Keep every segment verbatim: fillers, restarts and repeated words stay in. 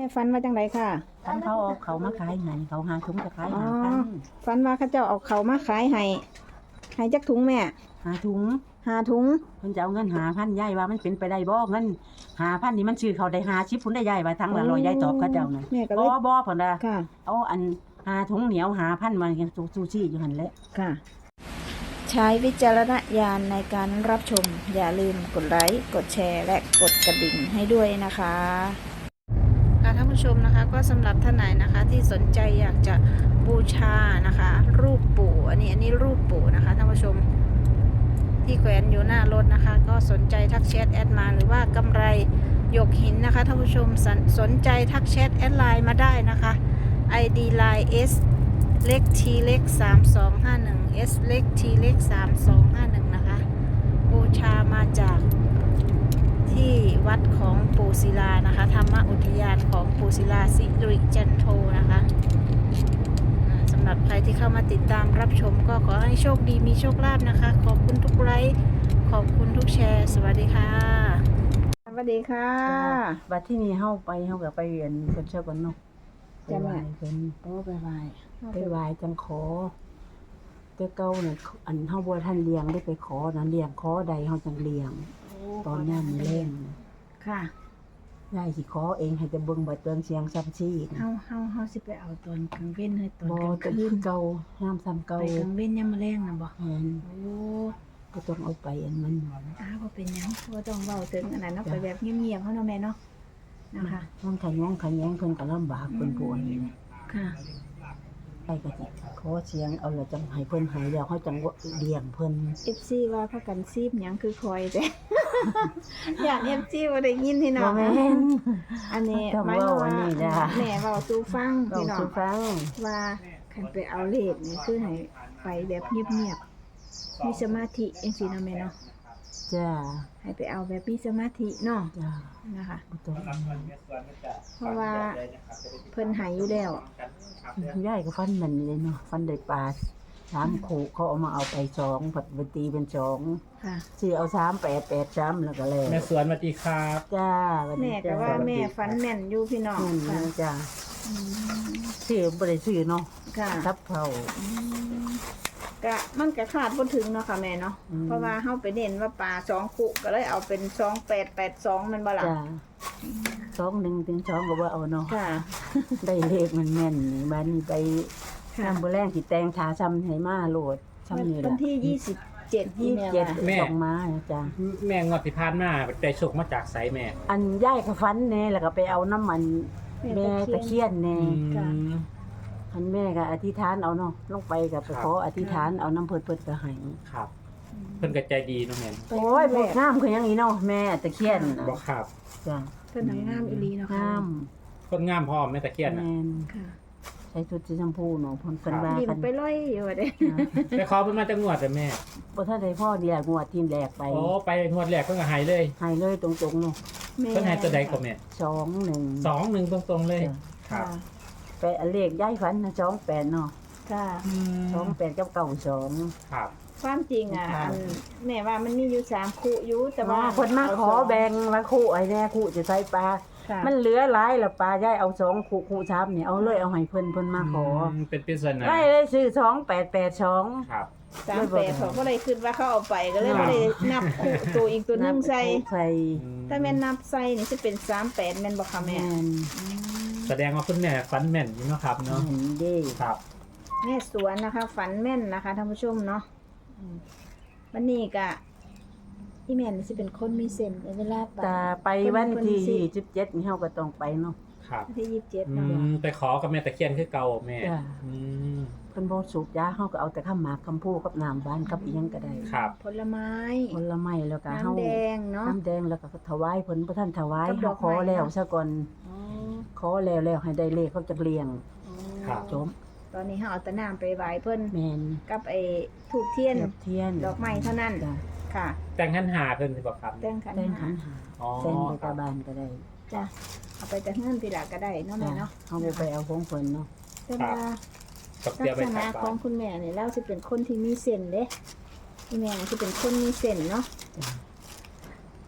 ม่ฝันว่าจังไดค่ะท่านเขาเอาเขามาขายให้เขาหาถุงจะขายอ๋อหาพันฝันว่าเขาเจ้าเอาเขามาขายให้ให้จักถุงแม่หาถุงหาถุงเพิ่นจะเอาเงินหาพันยายว่ามันเป็นไปได้บ่เงินหาพันนี่มันชื่อเขาได้หาชิปพุ่นได้ยายว่าทั้งละร้อยยายตอบเขาเจ้านั่นแม่ก็เลบ่ยบ่เพิ่นน่ะค่ะเอาอันหาถุงเหนียวหาพันมากันซูชิอยู่หั่นแหละค่ะ ใช้วิจารณญาณในการรับชม อย่าลืมกดไลค์กดแชร์และกดกระดิ่งให้ด้วยนะคะค่ะท่านผู้ชมนะคะก็สำหรับท่านไหนนะคะที่สนใจอยากจะบูชานะคะ รูปปู่อันนี้อันนี้รูปปู่นะคะท่านผู้ชมที่แขวนอยู่หน้ารถนะคะ ก็สนใจทักแชทแอดมาหรือว่ากำไรหยกหินนะคะท่านผู้ชมสนสนใจทักแชทแอดไลน์มาได้นะคะ ไอ ดี ไลน์ S เล็ก T เล็กสามสองห้าหนึ่ง S เล็ก T เล็กสามสองห้าหนึ่งนะคะบูชามาจากที่วัดของปู่ศิลานะคะธรรมอุทยานของปู่ศิลาสิริจันโทนะคะอ่าสำหรับใครที่เข้ามาติดตามรับชมก็ขอให้โชคดีมีโชคลาภนะคะ ขอบคุณทุกไลค์ขอบคุณทุกแชร์ สวัสดีค่ะ สวัสดีค่ะบัดที่นี่เฮาไปเฮาก็ไปเรียนเพิ่นเชื่อก่อนเนาะไปจ้ะไหแม่ว้เพิ่นโอ้ไปไหวไปไหว้จังขอแต่เก่าน่ะอันเฮาบ่ทันเลี้ยงได้ไปขอนะเลี้ยงขอใดเฮาจังเลี้ยงตอนยามมื้อแลงค่ะยายสิขอเองให้แต่เบิ่งบัดเตืองเสียงซ้ำซี่เฮาเฮาเฮาสิไปเอาตอนกลางเว้นให้ตอนบ่กลางจะคืคืนนเก่ายามซ้ำเก่าไปกลางเว้นยามมื้อแลงน่ะบ่แม่นโอ้ก็ต้องเอาไปอันมันอ้าวบ่เป็นหยังบ่ต้องเว้าถึงอันนั้นเนาะไปแบบเงียบๆเฮาเนาะแม่เนาะนะคะมันขยงขยงเพิ่นก็ลำบากเพิ่นผู้อันนี้ค่ะไปก็สิขอเสียงเอาแล้วจังให้เพิ่นให้แล้วเฮาจังเลี้ยงเพิ่นเอฟ ซี ว่าพากันซีบหยังคือคอยแต่ อยาก เอฟ ซี บ่ได้ยินพี่น้บ่องแม่นอันนี้ต้องหมายความเว้าอันว่านี้จ้ะแม่เว้าสู่ฟังต้องพี่น้อสุงฟังว่าคันไปเอาเลขนี่คือให้ไปแบบเงียบๆมีสมาธิจังซี่เนาะแม่เนาะจ้าให้ไปเอาแบบมีสมาธิเนาะจ้านะคะบ่ต้องเพราะว่าเพิ่นใหายอยู่แล้วยายก็ฟันแม่นเลยเนาะฟันได้ปลาสามโขกเขาเอามาเอาไปสองผัดไปตีเป็นสองค่ะสิเอาสามแปดแปดสามแล้วก็แล้วแม่สวนสวัสดีครับจ้าวันแม่นี้ก็จ้าว่าแม่ฝันแม่นอยู่พี่น้องแม่นค่ะนะจ้าอืมซื้อบ่ได้ซื้อเนาะค่ะทับเขาอืมก็มันก็ขาดบ่ถึงเนาะค่ะแม่เนาะอืมเพราะว่าเฮาไปเน้นว่าปลาสองคุก็เลยเอาเป็นสองแปดแปดสองมันบ่ล่ะจ้าสองหนึ่งถึงสองก็บ่เอาเนาะค่ะได้เลขมันแม่นนี่บ้านนี้ไปค่ะน้ำบ่แรงสิแต่งทาซ้ำให้มาโหลดซ้ำนี่วัล่ะนที่ยี่สิบเจ็ดที่ยี่สิบแม่เจ็ดว่าแม่ส่งมาจ้าแม่งวดที่ผ่านมาได้โชคมาจากไสแม่อันย่ายก็ฟันแน่แล้วก็ไปเอาน้ำมันแม่ตะเคียนแน่ค่ะอันแม่ก็อธิษฐานเอาเนาะลงไปก็ไปขออธิษฐานเอาน้ำเพิ่นเพิ่นก็ให้ครับ เพิ่นก็ใจดีเนาะแม่โอ้ยบ่งามคือหยังอีเนาะแม่ตะเคียนบอกครับจ้าเพิ่นทำงามอีหลีเนาะค่ะงามคนงามพร้อมแม่ตะเคียนน่ะแม่นค่ะใส่ชุดสีชมพูเนาะเพิ่นเพิ่นว่ายิ้มกันไปร้อยอยู่ว่าเด้ไปขอเพิ่นมาจังงวดแต่แม่บ่ทันได้พ่อเดียวงวดทีมแรกไปโอ้ไปงวดแรกเพิ่นก็ให้เลยให้เลยตรงๆเนาะแม่เพิ่นให้ตัวใดก็แม่สองหนึ่งสองหนึ่งตรงๆเลย ครัค่ะบไปอันเลขย้ายฝันนะสองแปดเนาะค่ะสองแปดกับเก้าสองครับความจริงอ่ะค่ะอันแม่ว่ามันมีอยู่สามคู่อยู่แต่ว่าว่าคนมาขอแบ่งมาคู่ไอ้แน่คู่จะใส่ปลาค่ะมันเหลือหลายแล้วปลาย้ายเอาสองคู่คู่ซ้ำเนี่ยเอาเลยเอาให้เพิ่นเพิ่นมาขอมเป็นปริศนาได้เลยซื้อสองแปดแปดสองครับสามแปดเขาก็เลยคิดว่าเขาเอาไปก็เลยครับไม่ได้นับคู่ตัวอีกตัวหนึงใส่ใส่อืมถ้าแม่นนับใส่นี่จะเป็นสามแปดแม่นบอกค่ะแม่แม่นอืมแสดงว่าคุณแม่ฟันแม่นอยู่เนาะครับเนาะเห็นเด้ครับแม่สวนนะคะ ฝันแม่นนะคะท่านผู้ชมเนาะอืมวันนี้ก็ที่แม่นี่จะเป็นคนมีเส้นเวลาไปแต่ไปวันที่ยี่สิบเจ็ดนี่เฮาก็ต้องไปเนาะครับวันที่ยี่สิบเจ็ดอืเนาะมไปขอกับแม่ตะเคียนคือเก่าแม่จ้ะอืมเพิ่นบ่สูบยาเฮาก็เอาแต่ข้าวหมากคำพูกับน้ำหวานกับอีหยังก็ได้ครับผลไม้ผลไม้แล้วก็เฮาน้ำแดงเนาะน้ำแดงแล้วก็ถวายเพิ่นบ่ทันถวายกับดเฮาอกขอไม้แล้วเนาะซะก่อนอ๋อขอแล้วแล้วให้ได้เลขเขาจะเลี้ยงครับจมตอนนี้เขาเอาแตะน้ำไปไหว้เพิ่นแม่นกับไอ้ถูกเทียนเทียบเทียนดอกไม้เท่านั้นจ้ะค่ะแต่งขันหาเพิ่นสิบอกครับแต่งขันแต่งหาขันหาอ๋อแต่งไปครัตาบบ้านก็ได้จ้ะเอาไปจากเงินทีหลังก็ได้เนาะแม่จ้ะเนาะเฮาบ่ไปเอาของเพิ่นเนาะแต่ว่ากับเตรียลัมกไปษใส่ณะบาของตรคุณแม่เนี่ยเราจะเป็นคนที่มีเส้นเด้ที่แม่จะเป็นคนมีเส้นเนาะจ้ะ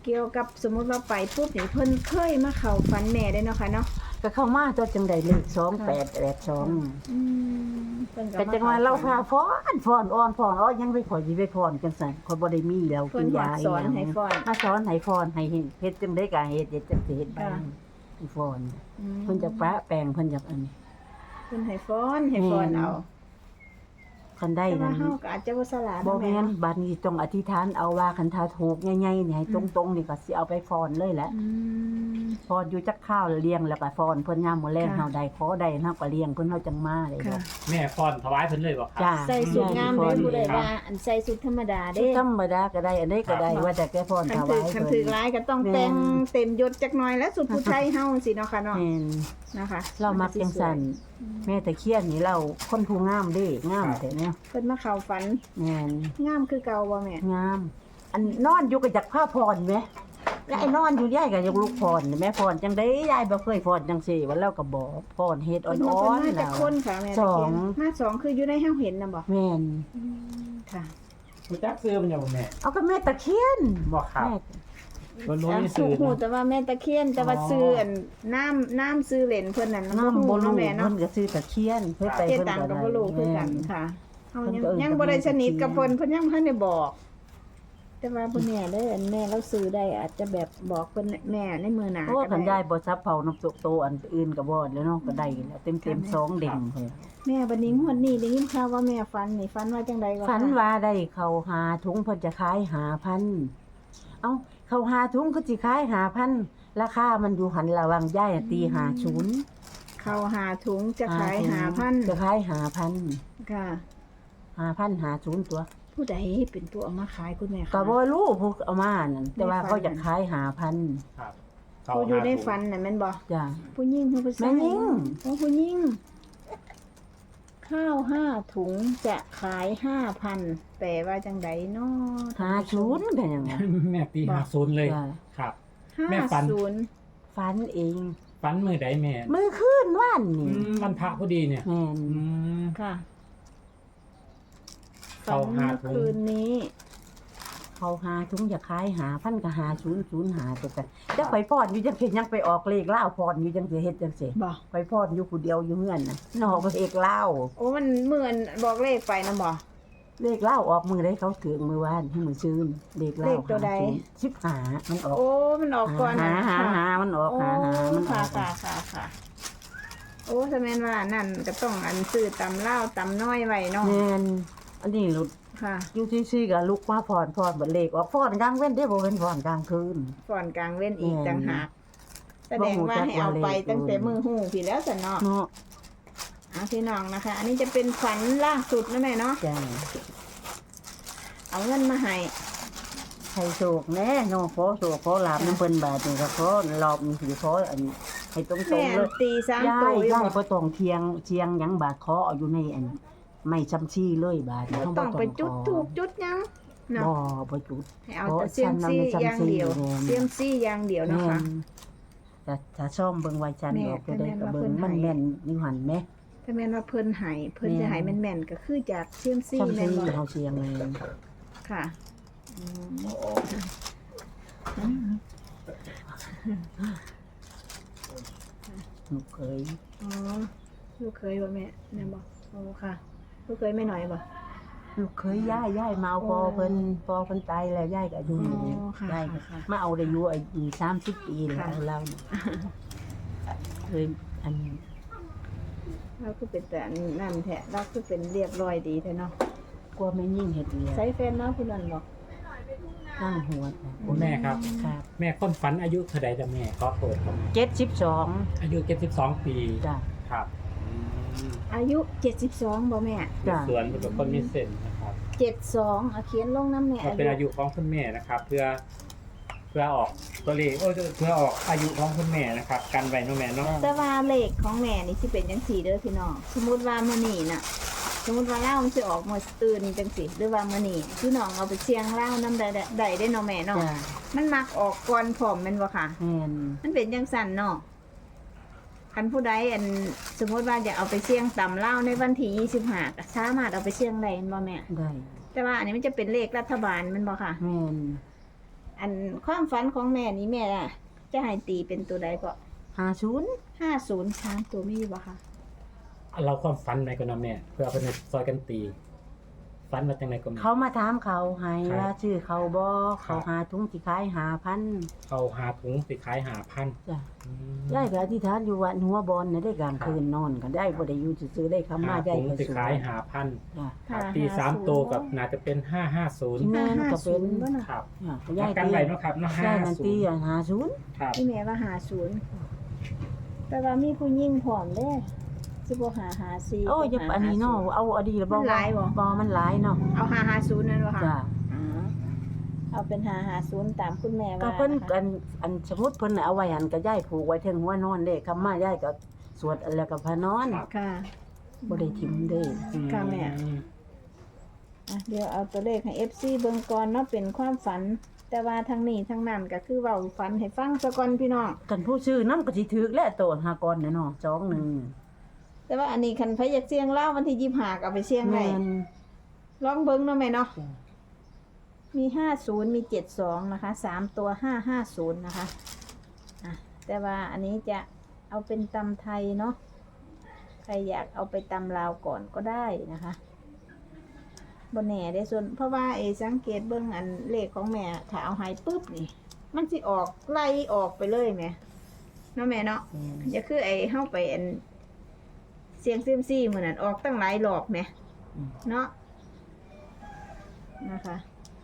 เกี่ยวกับสมมุติว่าไปปุ๊บนี่เพิ่นเคยมาเข้าฝันแม่ได้เนาะค่ะเนาะก็เข้ามาตัวจังได๋เลขสองแปดแปดสองอืมเพิ่นก็จังว่าเราพาฟ้อนฟ้อนอ่อนฟ้อนอ้อยังไปขอสิไปฟ้อนจังซั่นข่อยบ่ได้มีแล้วเพิ่นกินหอดยาสอนให้ฟ้อนมาสอนให้ฟ้อนให้เฮ็ดจังได๋ก็เฮ็ดเฮ็ดจังสิเฮ็ดบ้างให้ฟ้อนอืมเพิ่นจะปะแปลงเพิ่นจะอันนี้เพิ่นให้ฟ้อนให้ฟ้อนเอาคันได้แต่ว่านั้นเฮาก็อาจจะบ่สลาดบ่เนาะแม่แม่นเนาะบัดนี้ต้องอธิษฐานเอาว่าคันถ้าถูกใหญ่ๆนี่ให้ตรงๆนี่ก็สิเอาไปฟ้อนเลยแหละอืมฟ้อนอยู่จักข้าวเลี้ยงแล้วก็ฟ้อนเพิ่นยามมื้อแลงค่ะเฮาได้ขอได้เฮาก็เลี้ยงเพิ่นเฮาจังมาได้ค่ะแม่ฟ้อนถวายเพิ่นเลยบ่ครับจ้าใส่สุดงามเลยผู้ใดครับว่าอันใส่สุดธรรมดาชุเด้ดธรรมดาก็ได้อันใดก็ได้ครับว่าแต่แกฟ้อนคัถนถืวาอย คันเพิ่นถือร้ายก็ต้องแม่นแต่งเต็มยศจักหน่อยแล้วสุดผู้ชายเฮาสิเนาะค่ะเนาะแม่นนะคะเรามักจังซั่นแม่ตะเคียนนี่เราคนผู้งามเด้งามแต่เนี่ยเพิ่นมาเข้าฝันแม่นงามคือเก่าบ่แม่งาม อันนอนอยู่ก็จักผ้าพรแหมแล้วไอ้นอนอยู่ยายก็อยากลุกพรแม่พรจังได๋ยายบ่เคยพรจังซี่ว่าเราก็บอกพรเฮ็ดอ่เพิ่นมาอเพิ่นนมาๆจากแล้วคนค่ะแม่สตะอเคียงนมาสองคืออยู่ในเฮาเห็นน่ะบ่แม่นค่ะรู้จักซื้อมันอยู่บ่แม่เอาก็แม่ตะเคียนบ่ครับแม่บ่รู้อ่ะมีสูซื้อหูเนาะแต่ว่าแม่ตะเคียนแต่ว่าอ๋อซื้ออันน้ำน้ำซื้อเหรนเพิ่นนั่นน้ำบ่เนาะรู้แม่เพิ่เนาะนก็ซื้อตะเคียนเพิ่นไปเจเพิ่นตังก็ก็ได้บ่รู้คือกันแม่ค่ะเฮายังเพิ่นก็เอิ้นยังบ่ได้สนิทกับตะเคียนเพิ่นเพิ่นยังบ่ทันได้บอก แต่ว่าบ่แน่เด้ออันแม่เราซื้อได้อาจจะแบบบอกเพิ่นแม่ในมือหน้าโอ้ก็คันได้ยายบ่ซับเผาน้ำตกโตอันอื่นก็บ่แล้วเนาะก็ได้แล้วเต็มๆสองเด้งเพิ่นแม่บัดนี้งวดนี้ได้ยินข่าวว่าแม่ฝันนี่ฝันว่าจังไดก็ฝันว่าได้เข้าหาถุงเพิ่นจะขายหาพันเอ้าเข้าหาถุงก็สิขายหาพันราคามันอยู่หันระหวังย่ายตีหาศูนย์เข้าหาถุงจะขายถุงหาพันจะขายหาพันค่ะหาพันหาศูนย์ตัวผู้ใดเป็นผู้เอามาขายคุณแม่คะก็บ่รู้พวกเอามานั่นแต่ว่าเขาจะขายหาพันครับผู้อยู่ในเข้าหาฝันน่ะแม่นบ่จ้ะผู้หญิงผู้ผู้ชายแม่หญิงโอ้ผู้หญิงข้าวห้าถุงจะขายห้าพันแปลว่าจังไดเนาะหาศูนย์ก็ยังว่าแม่ตีห้าศูนย์เลยจ้ะครับห้าแม่ฝันศูนย์ฝันเองฝันมื้อใดแม่มื้อคืนว่านอืนี่มวันพระพอดีเนี่ยแม่นอืมค่ะเข้าฝันห้าเมื่อถุงคืนนี้เขาหาถุงจะขายหาพันก็หาศูนย์ศูนย์หาแต่แต่จะไปพอดอยู่จังสิยังไปออกเลขลาวพอดอยู่จังสิเฮ็ดจังสิบ่ไปพอดอยู่ผู้เดียวอยู่เฮือนน่ะนอกเลขลาวโอ้มันเหมือนบอกเลขไปนะบ่เลขเล่าออกมือได้เขาถึงมือวานให้มือซื้อเลขเล่าเลขตัวใดชิบหามันออกโอ้มันออกก่อนหานะหาค่ะหามันออกโอ้หาหามันอค่ะอกค่ะค่ะค่ะโอ้ถ้าแม่นว่านั่นก็ต้องอันซื้อตำเล่าวตำน้อยไว้เนาะแม่นอันนี้หลุดค่ะอยู่ซี่ๆก็ลุกมาพรพรบัดเลขออกพรกลางเว้นได้บ่เป็นพรกลางคืนก่อนกลางเว้นอีกแม่นต่างหากแสดงว่าให้เอาไปตั้งแต่มือหูพี่แล้วสันเนาะเนาะเอาพี่น้องนะคะ อันนี้จะเป็นฝันล่าสุดนะแม่เนาะจ้าเอาเงินมาให้ใครโศกแน่เนาะขอโศกขอลาบน้ำเพิ่นบาดนี่ก็ขอรอบนี้สิขออันให้ตรงแม่ๆเลยตีสามยาตัวย อยู่ยายบ่บ่ต้องเทียงเทียงหยังบาดขอเอาอยู่ในอันไม่ซ้ำชี้เลยบาดนี่เฮาบ่ต้องไปจุดขอถูกจุดหยังเนาะบ่บ่จุดให้เอาแต่เซียมซี่อย่างเดียวเซียมซี่อย่างเดียวนะคะแต่ถ้าซ่อมเบิ่งไว้จันแม่ออกก็ได้แต่ก็แม่นว่าเบิ่งเพิ่นมันให้แม่นอยู่หั่นแหมถ้าแม่นว่าเพิ่นให้เพิ่นแม่นจะให้แม่นๆก็คือจากเซียมซี่ซ่อมแม่ที่นบ่เฮาเสียงเลยค่ะอืมลูกเคยอ๋อลูกเคยบ่แม่แม่นบ่โอ้ค่ะลูกเคยไม่หน่อยบ่ลูกเคยย้ายย้ายมาเอาพอเพิ่นพอเพิ่นตายแล้วย้ายก็อยู่นี่อ๋อค่ะย้ายก็ค่ะมาเอาได้อยู่อายุสามสิบปีแล้วค่ะเราเนี่ยเคยอันเราคือเป็นแต่นั่นแท้เราคือเป็นเรียบร้อยดีแท้เนาะกลัวไม่ยิ่งเฮ็ดอีกใส่แฟนเนาะผู้นั้นบ่ข้างหัวคุณแม่ครับครับแม่คนฝันอายุเท่าใดจ้ะแม่ก็เปิดครับเจ็ดสิบสองอายุเจ็ดสิบสองปีจ้ะครับอืมอายุเจ็ดสิบสองบ่แม่จ้ะสวนเป็นคนมีเส้นนะครับเจ็ดสองเอาเขียนลงน้ำแม่มันเป็นอายุของคุณแม่นะครับ เพื่อเพื่อออกตัวเลขโอ้ยเพื่อออกอายุของคุณแม่นะครับ กันไว้เน้องแม่เนาะแต่ว่าเลขของแม่นี่สิเป็นจังซี่เด้อพี่น้องสมมุติว่ามื้อนี้น่ะ สมมุติว่าเล่ามันสิออกมื้ออื่นจังซี่หรือว่ามื้อนี้พี่น้องเอาไปเสี่ยงเล่านำได้ได้ได้เด้เนาะแม่เนาะจ้ะมันมักออกก่อนพร้อมแม่นบ่ค่ะแม่นมันเป็นจังซั่นเนาะคันผู้ใดอันสมมุติว่าอยากเอาไปเสี่ยงต่ำเล่าในวันที่ยี่สิบห้าก็สามารถเอาไปเสี่ยงได้แม่นบ่แม่ได้แต่ว่าอันนี้มันจะเป็นเลขรัฐบาลแม่นบ่ค่ะแม่นอันความฝันของแม่นี่แม่อะจะให้ตีเป็นตัวใดก็ห้าศูนย์ห้าศูนย์สามตัวมีบ่คะเราความฝันไหนก็นำแม่เพื่อเอาไปในซอยกันตีฝันว่าจังไดก็แม่เขามาถามเขาให้ครับว่าชื่อเขาบ่ครัเขาบหาถุงสิขายหาพันเขาหาถุงสิขายหาพันจ้ะอืมยายก็อธิษฐานอยู่วัดหัวบอลน่ะได้กลางคืนนอนกันได้บ่ได้อยู่ซื่อๆได้คำมาหาได้ถุงก็สิสูงขายหาพันจ้ะครับตีสามตัวกับน่าจะเป็นห้าห้าศูนย์แม่นก็เป็นบ่น่ะครับอ่ะยัยาง ยกันตีไว้เนาะครับเนาะห้ายายนั่นศูตีนย์อ่ะห้าศูนย์ครับอีแม่ว่าหาศูนย์แต่ว่ามีผู้หญิงพร้อมเด้สิบ่หาหาสี่โอ้ยอย่าอันนี้เนาะเอาอดีตบ่มันหลายบ่บ่มันหลายเนาะเอาหาหาศูนย์นั่นบ่คะจ้ะอ๋อเอาเป็นหาหาศูนย์ตามคุณแม่ก็ว่าเพิ่นนะคะอันอันสมมุติเพิ่นน่ะเอาไว้หันก็ยายผูกไว้เทิงหัวนอนเด้คำมายายก็สวดแล้วก็พานอนครับค่ะบ่ได้ทิมเด้ค่ะแม่ อ่ะเดี๋ยวเอาตัวเลขให้ เอฟ ซี เบิ่งก่อนเนาะเป็นความฝัน แต่ว่าทางนี้ทางนั้นก็คือเว้าฝันให้ฟังซะก่อนพี่น้องกันผู้ชื่อนำก็สิถึกแล้วโตนหากรน่ะเนาะสองหนึ่งแต่ว่าอันนี้คันไผอยากเสี่ยงลาววันที่ยี่สิบห้าก็เอาไปเสี่ยงได้แม่นลองเบิ่งเนาะแม่เนาะจ้ะมีห้าศูนย์มีเจ็ดสองนะคะสามตัวห้าห้าศูนย์นะคะอ่ะแต่ว่าอันนี้จะเอาเป็นตำไทยเนาะใครอยากเอาไปตำลาวก่อนก็ได้นะคะบนแหน่ได้ส่วนเพราะว่าเอสังเกตเบิ่งอันเลขของแม่ถ้าเอาใหายปุ๊บนี่ มันสิออกไล่ออกไปเลยแหม่เนาะแม่เนาะแม่นอย่าคือไอ้เฮาไปอันเสียงซิมซี่เหมือนนั้นออกตั้งหลายรอบแหมอืมเนาะนะคะ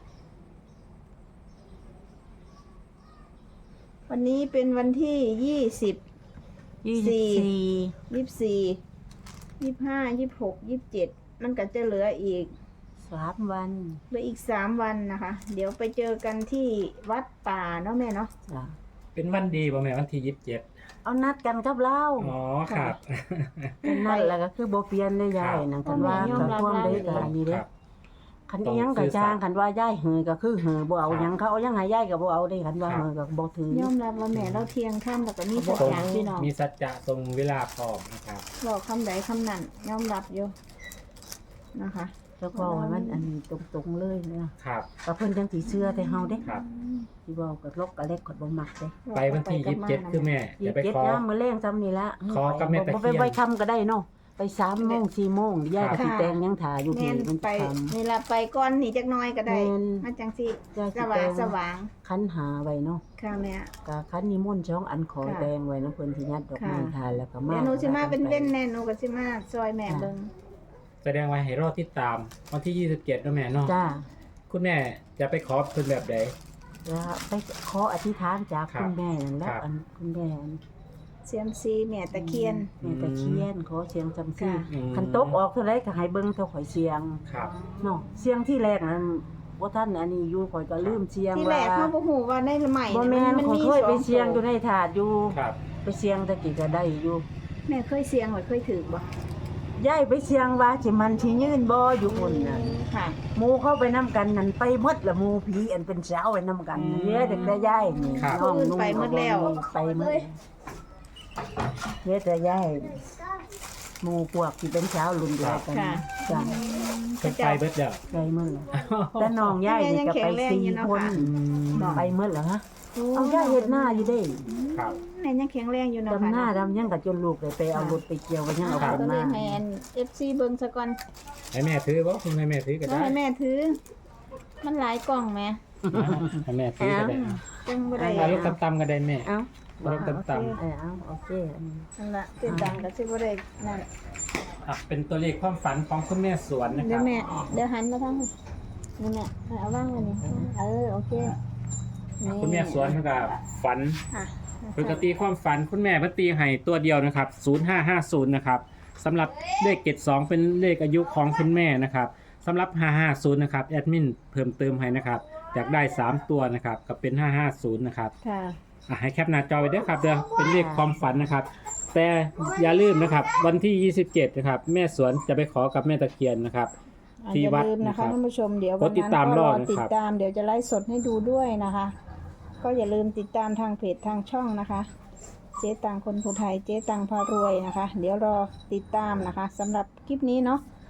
วันนี้เป็นวันที่ยี่สิบยี่สิบสี่ยี่สิบสี่ยี่สิบห้ายี่สิบหกยี่สิบเจ็ดมันก็จะเหลืออีกสามวันเหลืออีกสามวันนะคะ เดี๋ยวไปเจอกันที่วัดป่าเนาะแม่เนาะจ้ะเป็นวันดีป่ะแม่วันที่ยี่สิบเจ็ดเอานัดกันกับเราอ๋อครับเป็นนั่นแหละก็คือบ่เปลี่ยนได้ยายนั่นคันว่าโอ้แม่ยอมรับก็ความได้ได้ก็อันนี้เด้ครับคันอีหยังก็จ้างคันว่ายายเหือก็คือเหือบ่เอาหยังเขาเอาหยังให้ยายก็บ่เอาได้คันว่าครับเหือก็บ่ถือยอมรับว่าแม่เราเที่ยงค่ำแล้วก็มีสัจตรงจะพี่น้องมีสัจจะตรงเวลาพร้อมนะครับบอกคำใดคำนั้นยอมรับอยู่นะคะแล้วก็ให้มันอันตรงๆเลยนะครับ ก็เพิ่นจังสิเชื่อแต่เฮาเด้ครับสิเว้ากับลกกับเล็กก็บ่มักเด้ไปวันที่ยี่สิบเจ็ดคือแม่ยี่จะสิบไปเจ็ดขอยามมื้อแลงซ้ำนี่ละขอกับแม่ตะเคียนบ่ไปไว้ค่ำก็ได้เนาะไปสามโมงสี่โมงยายก็สิแต่งยังถ่าอยู่แม่ที่นมันไปค่ำนี่ละไปก่อนนี่จักหน้อยก็ได้แม่นมันจังสิจ้ะสว่างสว่างคันหาไว้เนาะค่ะแม่ก็คันนิมนต์ช่องอันขอค่ะแดงไว้นะเพิ่นที่ยัดดอกไม้ค่ะทานแล้วก็มาเดี๋ยวหนูสิมาเป็นเว้นแน่หนูก็สิมาซอยแม่เบิ่งแสดงว่าให้รอติดตามวันที่ยี่สิบเจ็ดนะแม่เนาะจ้าคุณแม่จะไปขอเพิ่นแบบใดแล้วไปขออธิษฐานจากครับคุณแม่นั่นแหละครับอันคุณแม่อันเซียมซีแม่ตะเคียนแม่ตะเคียนขอเสียงจำซี่ค่ะอืมคันตกออกเท่าไรก็ให้เบิ่งเท่าข่อยเสียงครับเนาะเสียงที่แรกนั้นบ่ทันอันนี้อยู่ข่อยก็ลืมเสียงที่แรว่ากเขาบ่ฮู้ว่าในใหม่บ่แม่นมันข่อยมีเคยไปสองเสียงอยู่ในถาดอยู่ครับไปเสียงตะกี้ก็ได้อยู่แม่เคยเสียงบ่เคยถือบ่ยายไปเสียงว่าสิมันสิยืนบ่อยู่พุ่นน่ะค่ะหมู่เข้าไปนํกันนั่นไปหมดละหมู่ผีอันเป็นสาวไปนํกันอืมเฮ็ดแต่แต่ยายนี่ครับน้องนุ่งไปหมดแล้วไปหมดเฮ็ดแต่ยายหมู่พวกที่เป็นสาวรุ่นเดียวกันค่ะจ้ะเพิ่นไปเบิดแล้วไปหมดแล้วแต่น้องยายนี่ก็ไปสี่คนอืมไปหมดแล้วฮะเอายายเฮ็ดหน้าอยู่เด้ครับแม่ยังแข็งแรงอยู่เนาะดำหน้าค่ะดำหยังก็จนลูกได้ไปเอารถไปเกี่ยวไว้ยังเอาค่ะขึ้นก็เลมายให้อัน เอฟ ซี เบิ่งซะก่อนให้แม่ถือบ่คุณให้แม่ถือก็แล้วได้ให้แม่ถือ มันหลายกล่องแม่ให้แม่ถือก็ได้จังบ่ได้เอาลูกตำๆก็ได้แม่เอ้าเอาลูกตำเออเอาโอเคอันนี้นั่นล่ะติดตังก็สิบ่ได้นั่นๆอ่ะเป็นตัวเลขความฝันของคุณแม่สวนนะคเดี๋ยรัวบแม่เดี๋ยวหันมาทางนี้นี่แม่เอาวางไว้นี่เออโอเคนี่คุณแม่สวนเพิ่นก็ฝันอ่ะปกติความฝันคุณแม่เพิ่นตีให้ตัวเดียวนะครับศูนย์ห้าห้าศูนย์นะครับสำหรับเลขเจ็ดสองเป็นเลขอายุของคุณแม่นะครับสำหรับห้าห้าศูนย์นะครับแอดมินเพิ่มเติมให้นะครับอยากได้สามตัวนะครับก็เป็นห้าห้าศูนย์นะครับค่ะอ่ะให้แคปหน้าจอไว้ด้วยครับเดี๋ยวเป็นเลขความฝันนะครับ แต่อย่าลืมนะครับวันที่ยี่สิบเจ็ดนะครับแม่สวนจะไปขอกับแม่ตะเคียนนะครับอ่ะที่อย่าวัดลืมนะนะครับคะท่านผู้ชมเดี๋ยวกวัดนติดนั้นตามก็รรออนะครับติดตามเดี๋ยวจะไลฟ์สดให้ดูด้วยนะคะ ก็อย่าลืมติดตามทางเพจทางช่องนะคะ เจ๊ตังคนผู้ไทยเจ๊ตังพารวยนะคะ เดี๋ยวรอติดตามนะคะสำหรับคลิปนี้เนาะ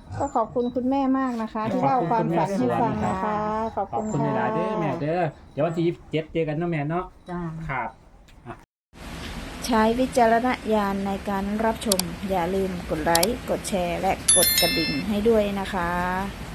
ก็ขอบคุณคุณแม่มากนะคะ ที่เล่าความฝันให้ฟังนะคะ ขอบขอบคุณคุณค่ะหลายๆเด้อแม่เด้อเดี๋ยววันที่ยี่สิบเจ็ดเจอกันเนาะแม่เนาะจ้าครับใช้วิจารณญาณในการรับชม อย่าลืมกดไลค์ กดแชร์ และกดกระดิ่งให้ด้วยนะคะ